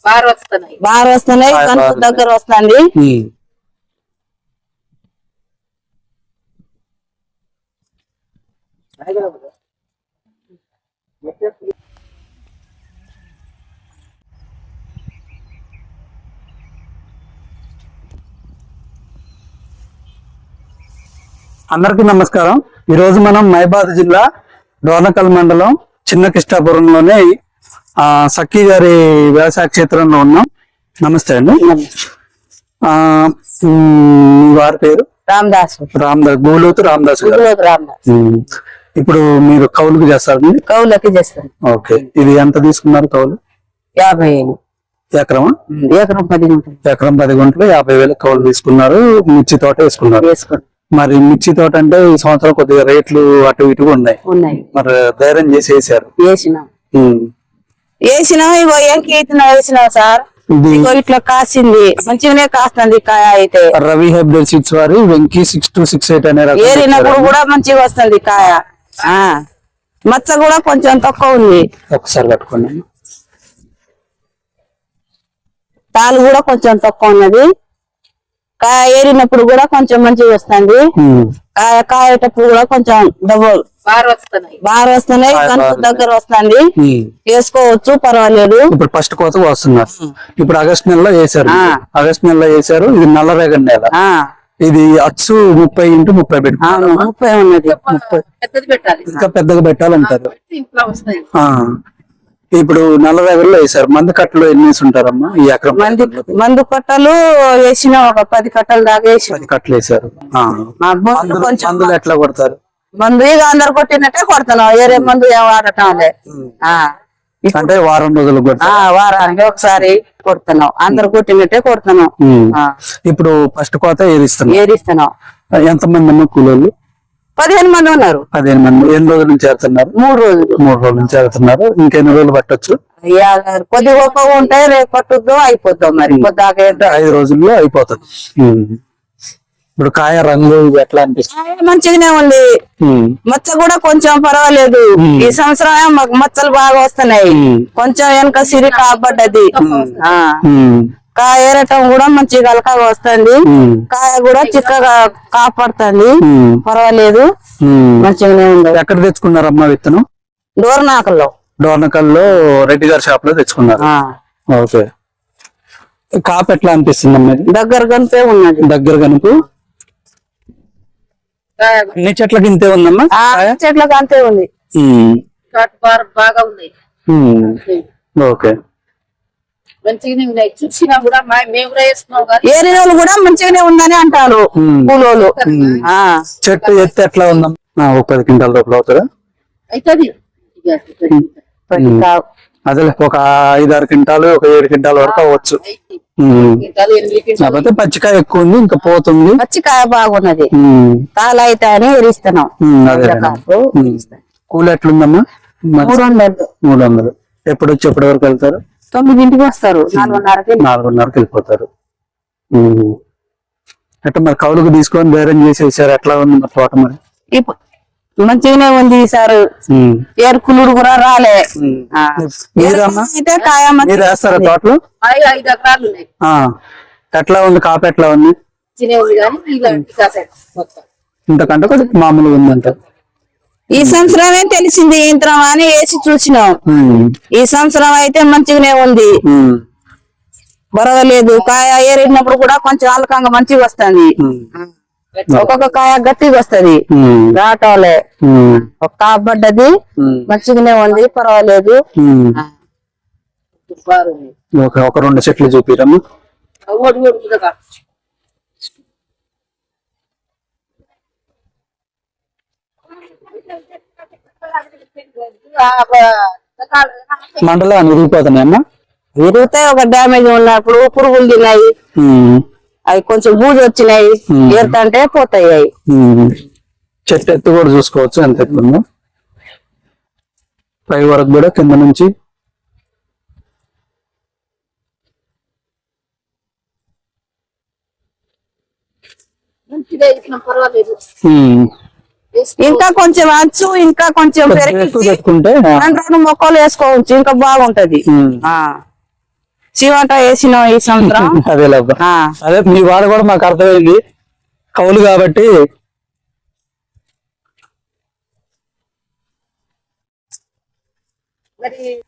బాగా వస్తున్నాయి కనుక దగ్గర వస్తుంది. అందరికీ నమస్కారం. ఈ రోజు మనం మైబాద్ జిల్లా డోర్నకల్ మండలం చిన్న కిష్టాపురంలోని సఖీ గారి వ్యవసాయ క్షేత్రంలో ఉన్నాం. నమస్తే అండి. వారి పేరు రామదాస్ గోలోతు రామదాస్ గారు. ఇప్పుడు మీరు కౌలుకు చేస్తారండి? కౌలుకి చేస్తారు. ఓకే, ఇది ఎంత తీసుకున్నారు కౌలు? 50,000 ఎకరమా? ఎకరం 10 గుంటలు. ఎకరం 10 గుంటలు 50,000 కౌలు తీసుకున్నారు. మిర్చి తోట వేసుకున్నారు. మరి మిర్చి తోట అంటే ఈ సంవత్సరం కొద్దిగా రేట్లు అటు ఇటుగా ఉన్నాయి. మరి ధైర్యం చేసి వేసారు? వేసినాం. ఇగో వేసినాం సార్. ఇట్లా కాసింది, మంచిగానే కాస్తుంది కాయ. అయితే రవి హైబ్రిడ్ సీడ్స్ వారి వెంకీ 6268 అనే రకం ఏరినప్పుడు కూడా మంచిగా వస్తుంది కాయ. మచ్చ కూడా కొంచెం తక్కువ ఉంది. ఒకసారి కట్టుకోండి. తాలు కూడా కొంచెం తక్కువ ఉన్నది. కాయ ఏరినప్పుడు కూడా కొంచెం మంచిగా వస్తుంది. కాయ కాయేటప్పుడు కూడా కొంచెం డబుల్ బాగా వస్తున్నాయి కనుక దగ్గర వస్తుంది. వేసుకోవచ్చు, పర్వాలేదు. ఇప్పుడు ఫస్ట్ కోత వస్తున్నారు. ఇప్పుడు ఆగస్టు నెలలో వేసారు. ఆగస్టు నెలలో వేసారు. ఇది నల్లరేగడి నెల. ఇది అచ్చు 30x30 పెట్టి 30 ఉన్నది. ఇంకా పెద్దగా పెట్టాలంటారు. ఇప్పుడు నల్లరేగడిలో వేసారు. మందు కట్టలు ఎన్ని వేసి ఉంటారమ్మా ఈ ఎకరం? మందు కట్టలు వేసిన ఒక 10 కట్టలు దాకా వేసి 10 కట్టలు వేసారు. మందులు ఎట్లా కొడతారు? మందు ఇక అందరు కొట్టినట్టే కొడుతున్నాం. వేరే మందు ఏం వాడటం లే. అంటే వారం రోజులు వారానికి ఒకసారి కొడుతున్నాం. అందరు కొట్టినట్టే కొడుతున్నాం. ఇప్పుడు ఫస్ట్ కోత ఏరిస్తున్నాం. ఎంతమంది అమ్మ కూలీలు? 15 మంది ఉన్నారు. 15 మంది. ఎన్ని రోజుల నుంచి చేస్తున్నారు? 3 రోజులు. 3 రోజుల నుంచి చేస్తున్నారు. ఇంకెన్ని రోజులు పట్టొచ్చు? కొద్ది గొప్ప ఉంటాయి. రేపు పట్టుద్దో అయిపోద్దాం. మరి పొద్దాక 5 రోజుల్లో అయిపోతుంది. ఇప్పుడు కాయ రంగు ఎట్లా అనిపిస్తుంది? మంచిగానే ఉంది. మచ్చ కూడా కొంచెం పర్వాలేదు. ఈ సంవత్సరం మాకు మచ్చలు బాగా వస్తున్నాయి. కొంచెం వెనక సిరి కాబడ్డది. కాయ ఏరటం కూడా మంచిగా అలకాగా వస్తుంది. కాయ కూడా చిక్కగా కాపాడుతుంది. పర్వాలేదు, మంచిగానే ఉంది. ఎక్కడ తెచ్చుకున్నారమ్మా విత్తనం? డోర్నకల్లో రెడ్డి గారి షాప్ లో తెచ్చుకున్నారు. ఓకే, కాపు ఎట్లా అనిపిస్తుంది అమ్మా? దగ్గర కనిపే ఉన్నది. దగ్గర కనుపు అన్ని చెట్లకి ఇంతే ఉందమ్మా? చెట్లకు అంతే ఉంది. బాగా ఉంది. ఓకే, ఏరియాలు కూడా మంచిగానే ఉందని అంటారు కూలోళ్ళు. చెట్టు ఎత్తి ఎట్లా ఉందమ్మా? 10 క్వింటాల రూపాయలు అవుతుందా? అదే ఒక 5-6 క్వింటాలు, ఒక 7 క్వింటాల వరకు అవ్వచ్చు. కాకపోతే పచ్చికాయ ఎక్కువ ఉంది, ఇంకా పోతుంది. పచ్చికాయ బాగున్నది. తాళ అయితే అని ఎరిస్తున్నాం. కూలి ఎట్లుందమ్మా? 300. ఎప్పుడు వచ్చి ఎప్పటి వరకు వెళ్తారు? 9ంటికి వస్తారు. 4:30కి వెళ్ళిపోతారు. ఎట్లా మరి కౌలుకు తీసుకొని ధైర్యం చేసేసారు? ఎట్లా ఉంది మరి తోట? మరి మంచిగానే ఉంది సార్. ఏరుకులుడు కూడా రాలే. మీరు వేస్తారా తోటలో? 5 ఎకరాలు. ఎట్లా ఉంది కాపు? ఎట్లా ఉంది? ఇంతకంటే కొద్దిగా మామూలుగా ఉందంట. ఈ సంవత్సరమే తెలిసింది యంత్రం అని వేసి చూసినాం. ఈ సంవత్సరం అయితే మంచిగానే ఉంది. పర్వాలేదు. కాయ ఏరినప్పుడు కూడా కొంచెం అలకంగా మంచిగా వస్తుంది. ఒక్కొక్క కాయ గట్టిగా వస్తది. రాటోలే ఒక కాబడ్డది. మంచిగానే ఉంది, పర్వాలేదు. ఒక 2 చెట్లు చూపిరమ్మా. మండలాన్ని విరిగిపోతున్నాయమ్మా? విరుగుతాయి. ఒక డ్యామేజ్ ఉన్నప్పుడు పురుగులు తిన్నాయి. అవి కొంచెం బూజు వచ్చినాయి. ఏరుతంటే పోతాయి. చెట్టు ఎత్తు కూడా చూసుకోవచ్చు ఎంత ఎత్తుందో. పై వరకు కూడా కింద నుంచి ఇంకా కొంచెం అచ్చు, ఇంకా కొంచెం పెట్టుకుంటే 2 మొక్కలు వేసుకోవచ్చు. ఇంకా బాగుంటది. చీవంట వేసినాం ఈ సంవత్సరం. అదే లేబ్బా. ఆ. అదే మీ వాడ కూడా మాకు అర్థమైంది, కౌలు కాబట్టి. మరి